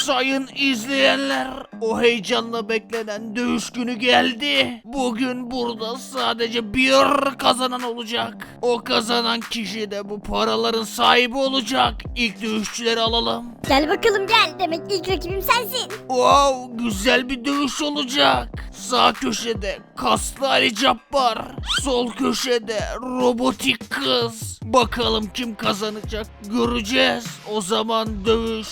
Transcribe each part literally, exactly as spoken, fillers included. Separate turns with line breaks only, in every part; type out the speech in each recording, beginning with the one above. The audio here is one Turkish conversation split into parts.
Sayın izleyenler, o heyecanla beklenen dövüş günü geldi. Bugün burada sadece bir kazanan olacak. O kazanan kişi de bu paraların sahibi olacak. İlk dövüşçüleri alalım.
Gel bakalım gel. Demek ilk rakibim sensin.
Wow, güzel bir dövüş olacak. Sağ köşede kaslı Ali Cabbar, sol köşede robotik kız. Bakalım kim kazanacak, göreceğiz. O zaman dövüş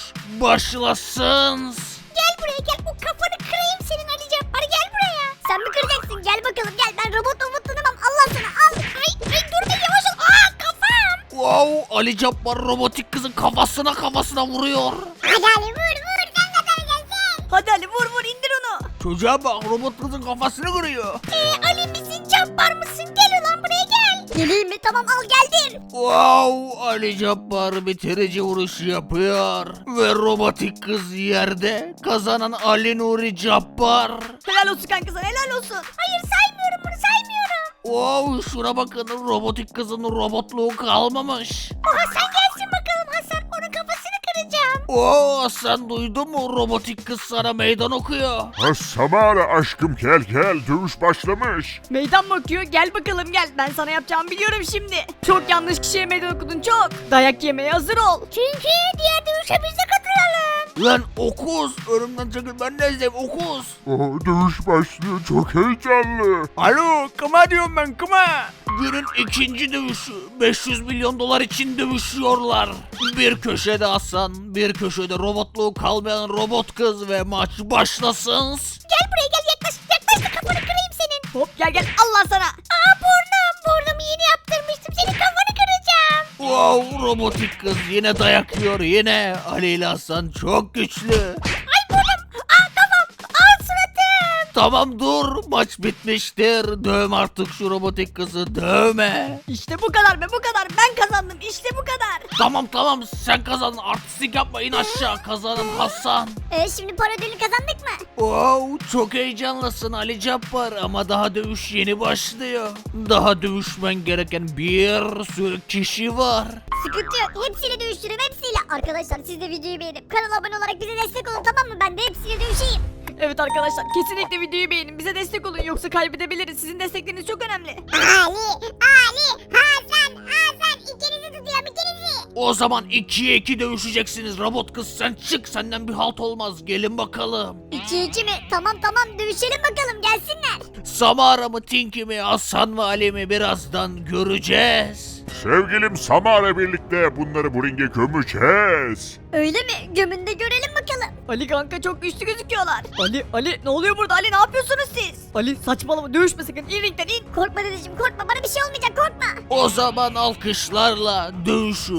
başlasın.
Gel buraya gel. O kafanı kırayım senin Ali Cabbar. Gel buraya. Sen mi kıracaksın? Gel bakalım gel. Ben robot robot tanımam. Allah sana al. Ay, ay dur be yavaş ol. Aa kafam.
Wow, Ali Cabbar robotik kızın kafasına kafasına vuruyor.
Hadi Ali vur vur. Sen kazanacaksın.
Hadi Ali vur vur indir onu.
Çocuğa bak, robot kızın kafasını kırıyor.
Ee, Ali misin Cabbar mısın? Gel ulan buraya gel. Geleyim mi? Tamam al geldim.
Wow, Ali Cabbar bitirici vuruş yapıyor. Ve robotik kız yerde. Kazanan Ali Nuri Cabbar.
Helal olsun kanka sana helal olsun.
Hayır saymıyorum bunu saymıyorum.
Wow, şuna bakın, robotik kızın robotluğu kalmamış.
O Hasan gelsin bakalım Hasan. Onun kafasını kıracağım.
Oo, sen duydun mu, robotik kız sana meydan okuyor.
Ha Samara aşkım gel gel dövüş başlamış.
Meydan mı okuyor? Gel bakalım gel. Ben sana yapacağımı biliyorum şimdi. Çok yanlış kişiye meydan okudun çok. Dayak yemeye hazır ol.
Çünkü diğer dövüşe biz de katılalım.
Lan okuz, önümden çekil, ben ne izleyeyim okuz.
Oh, dövüş başlıyor çok heyecanlı.
Alo, kıma diyorum ben, kıma. Günün ikinci dövüşü, beş yüz milyon dolar için dövüşüyorlar. Bir köşede Hasan, bir köşede robotluğu kalmayan robot kız ve maç başlasın.
Gel buraya gel yaklaş yaklaş da kafanı kırayım senin.
Hop gel gel Allah sana.
Aa burnum burnumu yeni yaptırmıştım senin kafanı kıracağım.
Wow, robotik kız yine dayak yiyor, yine. Ali ile Hasan çok güçlü.
Ay burnum aa kafam aa suratım.
Tamam dur, maç bitmiştir. Dövme artık şu robotik kızı, dövme.
İşte bu kadar be bu kadar. Ben kazandım işte bu kadar.
Tamam tamam, sen kazandın, artistik yapma, in aşağı. Kazanan Hasan.
Ee, şimdi para ödülü kazandık mı?
Wow, çok heyecanlısın Ali Cabbar ama daha dövüş yeni başlıyor. Daha dövüşmen gereken bir sürü kişi var.
Sıkıntı yok hepsiyle dövüşürüm hepsiyle. Arkadaşlar siz de videoyu beğenip kanala abone olarak bize destek olun tamam mı? Ben de hepsiyle dövüşeyim.
Evet arkadaşlar kesinlikle videoyu beğenin. Bize destek olun yoksa kaybedebiliriz. Sizin destekleriniz çok önemli.
Ali, Ali, Hasan, Hasan ikinizi tutuyorum ikinizi.
O zaman ikiye iki dövüşeceksiniz. Robot kız sen çık, senden bir halt olmaz. Gelin bakalım.
İki iki mi? Tamam tamam dövüşelim bakalım gelsinler.
Samara mı, Tinky mi, Hasan mı, Ali mi, birazdan göreceğiz.
Sevgilim Samara birlikte bunları bu ringe gömeceğiz.
Öyle mi? Gömünde görelim bakalım.
Ali kanka çok güçlü gözüküyorlar. Ali Ali ne oluyor burada Ali ne yapıyorsunuz siz? Ali saçmalama dövüşme sakın in ringden in.
Korkma dedeciğim korkma bana bir şey olmayacak korkma.
O zaman alkışlarla dövüşü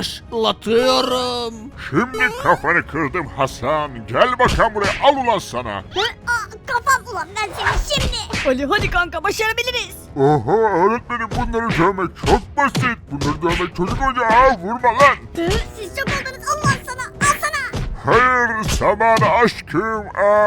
başlatıyorum.
Şimdi kafanı kırdım Hasan. Gel bakalım buraya al ulan sana.
Hı? Aa, kafam ulan ben seni şimdi.
Ali hadi kanka başarabiliriz.
Oho öğretmenim bunları dövmek çok basit. Bunları dövmek çocuk ocağı vurma lan.
Hı? Siz çok oldunuz Allah sana al sana.
Hayır Samara aşkım.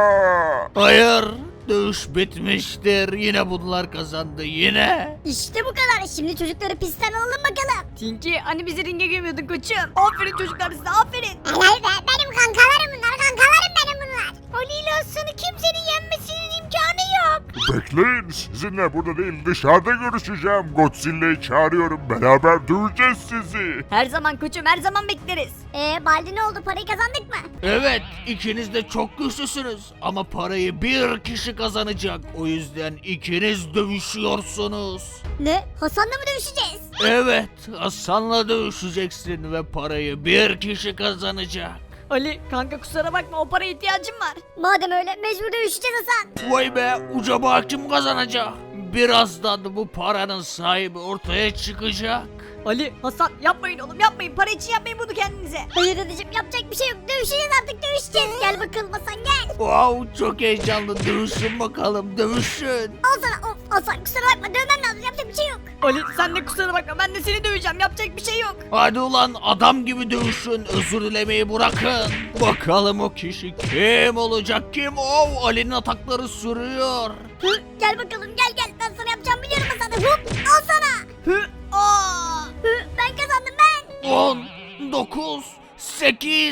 Aa.
Hayır, dövüş bitmiştir. Yine bunlar kazandı, yine.
İşte bu kadar. Şimdi çocukları pistten alalım bakalım.
Tinky hani bizi ringe gömüyordun koçum. Aferin çocuklar size aferin.
Helal be benim kankalarım bunlar kankalarım benim bunlar. Ali ile Hasan'ı kimsenin yenmesinin imkanı yok.
Bekleyin sizinle burada değil dışarıda görüşeceğim. Godzilla'yı çağırıyorum beraber döveceğiz sizi.
Her zaman koçum her zaman bekleriz.
Eee Baldi ne oldu parayı kazandık mı?
Evet, ikiniz de çok güçlüsünüz ama parayı bir kişi kazanacak. O yüzden ikiniz dövüşüyorsunuz.
Ne? Hasan'la mı dövüşeceğiz?
Evet, Hasan'la dövüşeceksin ve parayı bir kişi kazanacak.
Ali kanka kusura bakma o paraya ihtiyacım var.
Madem öyle mecbur dövüşeceğiz Hasan.
Vay be, ucaba kim kazanacak? Birazdan bu paranın sahibi ortaya çıkacak.
Ali Hasan yapmayın oğlum yapmayın para için yapmayın bunu kendinize.
Hayır dedeciğim yapacak bir şey yok. Dövüşeceğiz artık dövüşeceğiz. Gel bakalım Hasan gel.
Wow, çok heyecanlı, dövüşün bakalım, dövüşün.
Al sana of Hasan kusura bakma dövmem lazım yapacak bir şey yok.
Ali sen de kusura bakma ben de seni döveceğim yapacak bir şey yok.
Hadi ulan adam gibi dövüşün, özür dilemeyi bırakın. Bakalım o kişi kim olacak, kim? Oh, Ali'nin atakları sürüyor.
Hı, gel bakalım gel gel ben sana yapacağımı biliyorum Hasan. Hop al sana.
Hı aa.
Hı, ben kazandım ben.
on, dokuz, sekiz,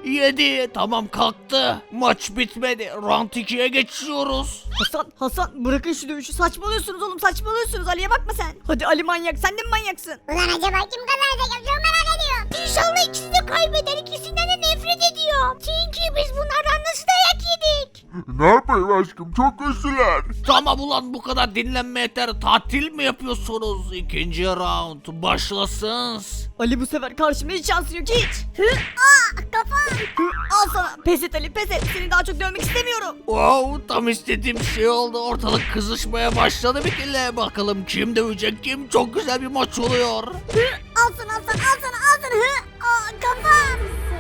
Yedi. Tamam kalktı. Maç bitmedi. Round ikiye geçiyoruz.
Hasan Hasan bırakın şu dövüşü, saçmalıyorsunuz oğlum, saçmalıyorsunuz. Ali'ye bakma sen. Hadi Ali manyak, sen de mi manyaksın?
Ulan acaba kim kazanacak? Çok merak ediyorum. İnşallah ikisi de kaybeder. İkisinden de nefret ediyorum. Çünkü biz bunlardan nasıl dayak yedik?
Ne yapayım aşkım, çok güçlüler.
Tamam ulan bu kadar dinlenme yeter. Tatil mi yapıyorsunuz? İkinci round başlasın.
Ali bu sefer karşımda hiç şansın yok hiç.
Hı? Aa kafam.
Hı, al sana. Pes et Ali, pes et. Seni daha çok dövmek istemiyorum.
Wow, tam istediğim şey oldu. Ortalık kızışmaya başladı bir kere. Bakalım kim dövecek kim? Çok güzel bir maç oluyor.
Hı? Al sana al sana al sana al sana. Hı? Aa kafam.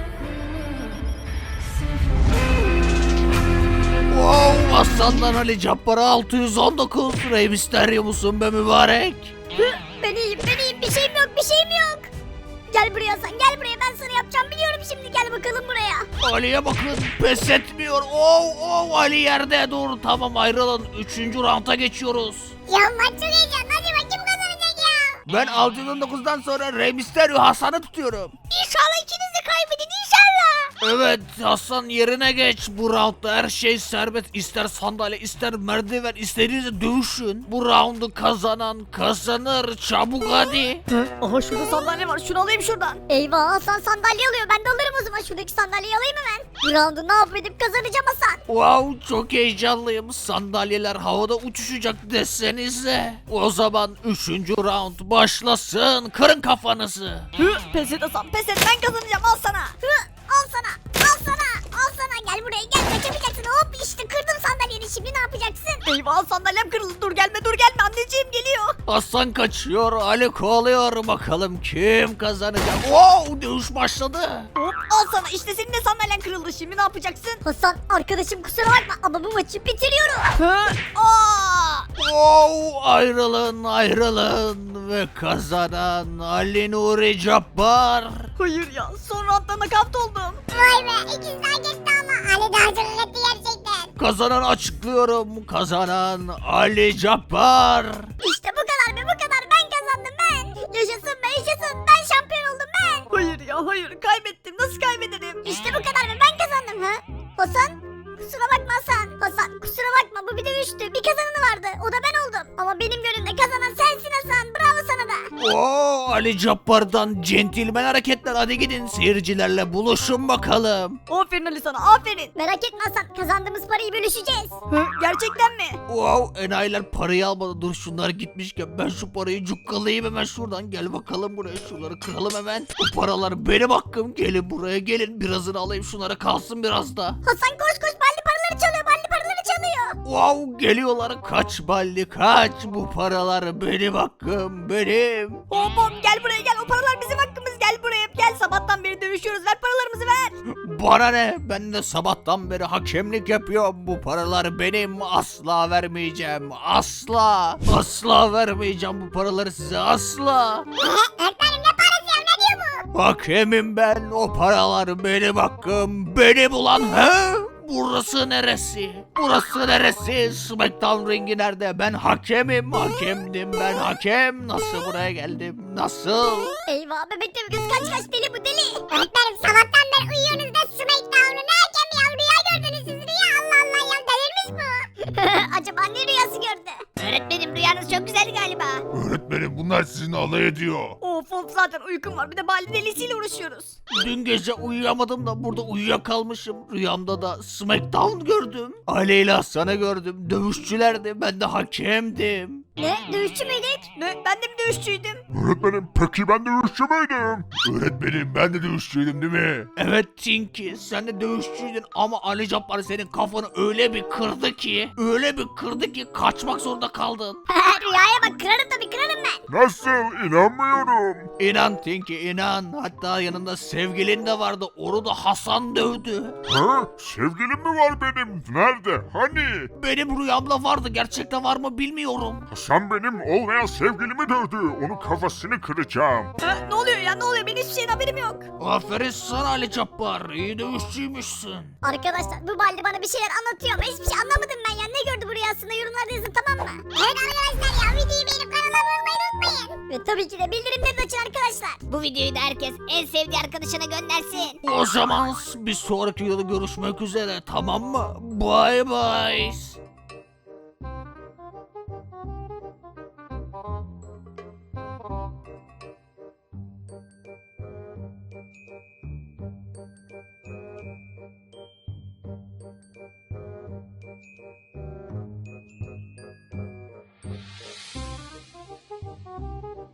Wow, Hasan'dan Ali Cabbar'a altı yüz on dokuz. Rey Mysterio musun be mübarek?
Hı? Ben iyiyim ben iyiyim. Bir şeyim yok bir şeyim yok. Gel buraya sen gel buraya, ben sana yapacağım biliyorum şimdi, gel bakalım buraya.
Ali'ye bakın, pes etmiyor. Oh oh, Ali yerde. Dur tamam, ayrılın. Üçüncü rounda geçiyoruz.
Ya maç çok heyecanlı, acaba kim kazanacak ya?
Ben altı yüz on dokuzdan sonra Rey Mysterio Hasan'ı tutuyorum.
İnşallah ikiniz de kaybedin inşallah.
Evet Hasan, yerine geç. Bu roundda her şey serbest. İster sandalye, ister merdiven, istediğinizde dövüşün. Bu roundu kazanan kazanır. Çabuk hadi.
Hı? Aha şurada sandalye var, şunu alayım şuradan.
Eyvah, Hasan sandalye alıyor, ben de alırım o zaman, şuradaki sandalyeyi alayım hemen. Bu roundu ne yapıp edip kazanacağım Hasan.
Wow, çok heyecanlıyım. Sandalyeler havada uçuşacak desenize. O zaman üçüncü round başlasın. Kırın kafanızı.
Hı? Pes et Hasan, pes et, ben kazanacağım, al sana.
Hı, al sana al sana al sana, gel buraya gel, kaçamayacaksın. Hop işte kırdım sandalyeni, şimdi ne yapacaksın?
Eyvah, sandalyem kırıldı, dur gelme dur gelme, anneciğim geliyor.
Hasan kaçıyor, Ali kovalıyor. Bakalım kim kazanacak. Wow, dövüş başladı.
Hop al sana, işte senin de sandalyen kırıldı, şimdi ne yapacaksın?
Hasan arkadaşım kusura bakma ama bu maçı bitiriyorum.
Hı? Aa!
Wow, ayrılın ayrılın ve kazanan Ali Nuri Cabbar.
Hayır ya, son roundda nakavt oldum.
Vay be, ikisi daha geçti ama Ali daha çok hak etti gerçekten.
Kazanan açıklıyorum. Kazanan Ali Cabbar.
İşte bu kadar be, bu kadar, ben kazandım ben. Yaşasın be yaşasın, ben şampiyon oldum ben.
Hayır ya hayır, kaybettim, nasıl kaybederim?
İşte bu kadar be, ben kazandım ha. Hasan? Kusura bakma Hasan. Hasan kusura bakma, bu bir dövüştü. Bir kazananı vardı, o da ben oldum. Ama benim gönlümde kazanan sensin Hasan, bravo sana da.
Oo, Ali Cabbar'dan centilmen hareketler. Hadi gidin seyircilerle buluşun bakalım.
Aferin Ali sana, aferin.
Merak etme Hasan, kazandığımız parayı bölüşeceğiz.
Hı? Gerçekten mi?
Wow, enayiler parayı almadı. Dur şunlar gitmişken ben şu parayı cukkalayayım hemen şuradan. Gel bakalım buraya, şunları kıralım hemen. Bu paralar benim hakkım. Gelin buraya gelin, birazını alayım, şunlara kalsın biraz da.
Hasan koş koş, balli paraları çalıyor, balli paraları çalıyor.
Wow, geliyorlar. Kaç balli kaç. Bu paralar benim hakkım, benim.
Hop hop gel buraya gel, o paralar bizim hakkımız, gel buraya gel, sabahtan beri dövüşüyoruz, ver paralarımızı ver.
Bana ne? Ben de sabahtan beri hakemlik yapıyorum. Bu paralar benim. Asla vermeyeceğim. Asla. Asla vermeyeceğim bu paraları size. Asla.
Öğretmenim ne parası ya, ne diyor bu?
Hakemim ben. O paralar benim hakkım. Benim ulan. He? Burası neresi? Burası neresi? Smackdown ringi nerede? Ben hakemim. Hakemdim ben, hakem. Nasıl buraya geldim? Nasıl?
Eyvah, bebek de kız kaç kaç, deli bu deli. Öğretmenim sabahtan beri uyuyorsunuz da Smackdown'u ne hakem ya, rüya gördünüz siz, rüya, Allah Allah ya, delirmiş bu. Acaba ne rüyası gördü? Öğretmenim rüyanız çok güzel galiba.
Öğretmenim, bunlar sizinle alay ediyor.
Of of, zaten uykum var, bir de Bali delisiyle uğraşıyoruz.
Dün gece uyuyamadım da burada uyuyakalmışım. Rüyamda da Smackdown gördüm. Ali ile Hasan'ı gördüm. Dövüşçülerdi. Ben de hakemdim.
Ne, dövüşçü müydük?
Ne, ben de mi dövüşçüydüm?
Öğretmenim, peki ben dövüşçü müydüm? Öğretmenim, ben de dövüşçüydüm değil mi?
Evet Tinky, sen de dövüşçüydün ama Ali Cabbar senin kafanı öyle bir kırdı ki, öyle bir kırdı ki kaçmak zorunda kaldın.
Rüyaya bak, kırarım tabii, kırarım ben.
Nasıl? İnanmıyorum.
İnan Tinky, inan. Hatta yanında sevgilin de vardı. Onu da Hasan dövdü.
Ha? Sevgilim mi var benim? Nerede? Hani?
Benim rüyamda vardı. Gerçekte var mı bilmiyorum.
Hasan benim olmayan sevgilimi dövdü. Onun kafasını kıracağım.
Ha, ne oluyor ya ne oluyor benim hiçbir şeyden haberim yok.
Aferin sana Ali Cabbar. İyi dövüşçüymüşsün.
Arkadaşlar bu Baldi bana bir şeyler anlatıyor ama hiçbir şey anlamadım ben ya. Ne gördü bu rüyasında yorumlarda yazın tamam mı? Evet arkadaşlar ya videoyu beğenip kanala abone olmayı unutmayın. Ve tabii ki de bildirimleri de açın arkadaşlar. Bu videoyu da herkes en sevdiği arkadaşına göndersin.
O zaman bir sonraki videoda görüşmek üzere tamam mı? Bye bye.